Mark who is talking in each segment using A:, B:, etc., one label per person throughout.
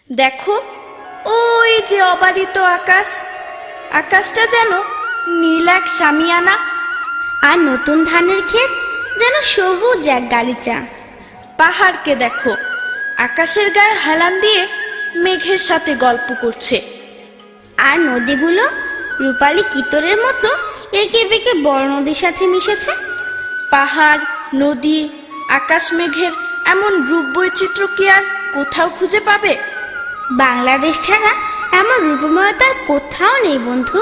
A: দেখো, ওই যে অবারিত আকাশ, আকাশটা যেন নীল এক শামিয়ানা,
B: আর নতুন ধানের ক্ষেত যেন সবুজ এক গালিচা।
A: পাহাড়কে দেখো, আকাশের গায়ে হেলান দিয়ে মেঘের সাথে গল্প করছে।
B: আর নদীগুলো রূপালী কিতরের মতো এঁকে বেঁকে বড় নদীর সাথে মিশেছে।
A: পাহাড়, নদী, আকাশ, মেঘের এমন রূপ বৈচিত্র্য কি আর কোথাও খুঁজে পাবে?
B: বাংলাদেশ ছাড়া এমন রূপময়তার কোথাও নেই বন্ধু।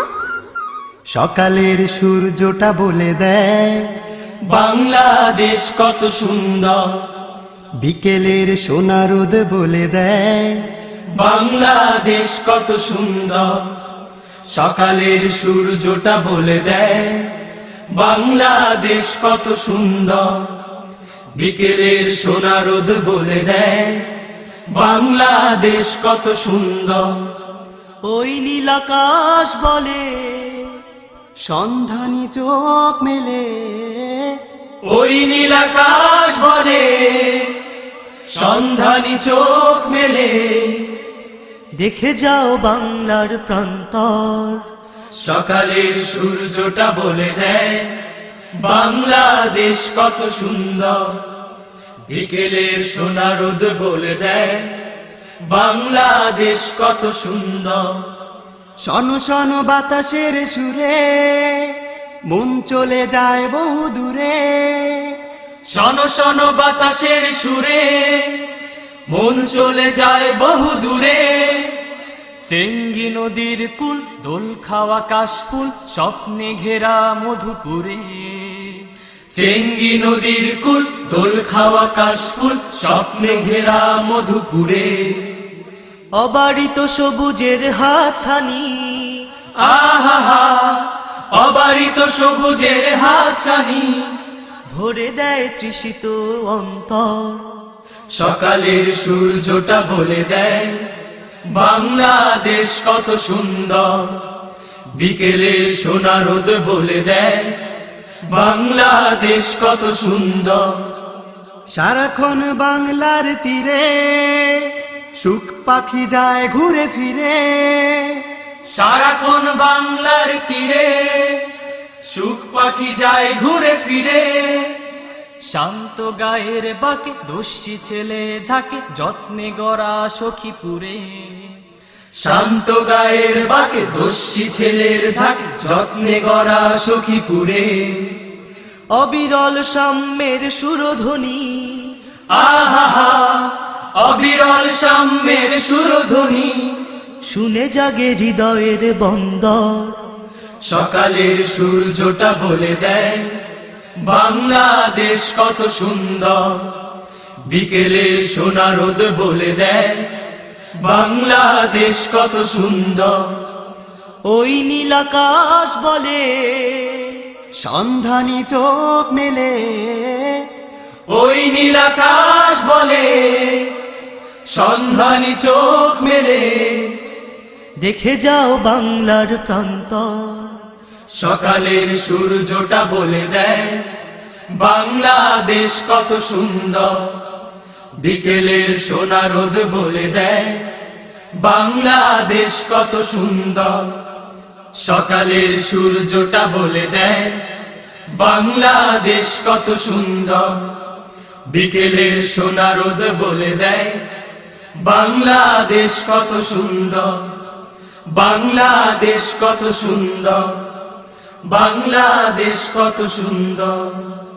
C: সকালের সূর্যটা বলে দেয়
D: বাংলাদেশ কত সুন্দর,
C: বিকেলের সোনা রোদ বলে দেয়
D: বাংলাদেশ কত সুন্দর। সকালের সূর্যটা বলে দেয় বাংলাদেশ কত সুন্দর, বিকেলের সোনা রোদ বলে দেয় বাংলাদেশ কত সুন্দর।
C: ওই নীল আকাশ বলে সন্ধানী চোখ মেলে,
D: ওই নীল আকাশ বলে সন্ধানী চোখ মেলে,
C: দেখে যাও বাংলার প্রান্তর।
D: সকালের সূর্যটা বলে দেয় বাংলাদেশ কত সুন্দর, বিকেলের সোনা রোদ বলে দেয় বাংলাদেশ কত সুন্দর।
C: শন শন বাতাসের সুরে মন চলে যায় বহু দূরে,
D: শন শন বাতাসের সুরে মন চলে যায় বহু দূরে। চেঙ্গি নদীর কুল, দোল খাওয়া কাশফুল, স্বপ্নে ঘেরা মধুপুরে। চেঙ্গি নদীর কুল, দোল খাওয়া কাশফুল, স্বপ্নে ঘেরা মধুপুরে।
C: অবারিত সবুজের হাতছানি,
D: আহা অবারিত সবুজের হাতছানি,
C: ভরে দেয় তৃষিত অন্তর।
D: সকালের সূর্যটা বলে দেয় বাংলাদেশ কত সুন্দর, বিকেলের সোনা রোদ বলে দেয় বাংলাদেশ কত সুন্দর।
C: সারাক্ষণ বাংলার তীরে সুখ পাখি যায় ঘুরে ফিরে,
D: সারাক্ষণ বাংলার তীরে সুখ পাখি যায় ঘুরে ফিরে। শান্ত গায়ের বাকে দস্যি ছেলে ঝাঁকে, যত্নে গড়া সখীপুরে। শান্ত গায়ের বাকে দস্যি ছেলের ঝাঁকে, যত্নে গড়া সখীপুরে।
C: অবিরল সাম্যের সুরধ্বনি,
D: আহা অবিরল সাম্যের সুরধ্বনি,
C: শুনে জাগে হৃদয়ের বন্দর।
D: সকালের সূর্যটা বলে দেয় বাংলাদেশ কত সুন্দর, বিকেলের সোনা রোদ বলে দেয় বাংলাদেশ কত সুন্দর।
C: ওই নীল আকাশ বলে সন্ধানী চোখ মেলে,
D: ওই নীল আকাশ বলে সন্ধানী চোখ মেলে,
C: দেখে যাও বাংলার প্রান্তর।
D: সকালের সূর্যটা বলে দেয় বাংলাদেশ কত সুন্দর, বিকেলের সোনা রোদ বলে দেয় বাংলাদেশ কত সুন্দর। সকালের সূর্যটা বলে দেয় বাংলাদেশ কত সুন্দর, বিকেলের সোনা রোদ বলে দেয় বাংলাদেশ কত সুন্দর। বাংলাদেশ কত সুন্দর, বাংলাদেশ কত সুন্দর।